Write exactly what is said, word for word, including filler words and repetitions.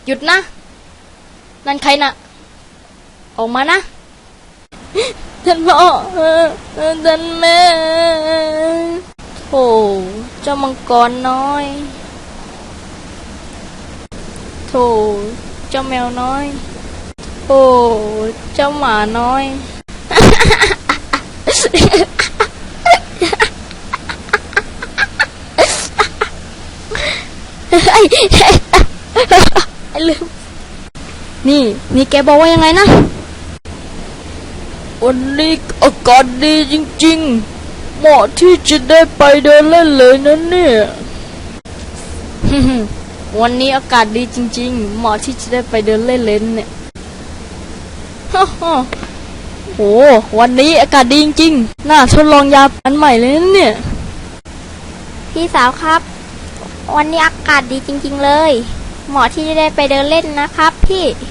หยุดนะนั่นใครนะออกมานะท่านพ่อท่านแม่โธ่เจ้ามังกรน้อยโธ่เจ้าแมวน้อยโอ้เจ้าหมาน้อยไอ้ไอ้ลืมนี่นี่แกบอกว่ายังไงนะวันนี้อากาศดีจริงๆเหมาะที่จะได้ไปเดินเล่นเลยนะเนี่ยวันนี้อากาศดีจริงๆเหมาะที่จะได้ไปเดินเล่นเล่นเนี่ยโอ้วันนี้อากาศดีจริงๆน่าทดลองยาอันใหม่เลยนะเนี่ยพี่สาวครับวันนี้อากาศดีจริงๆเลยเหมาะที่จะได้ไปเดินเล่นนะครับพี่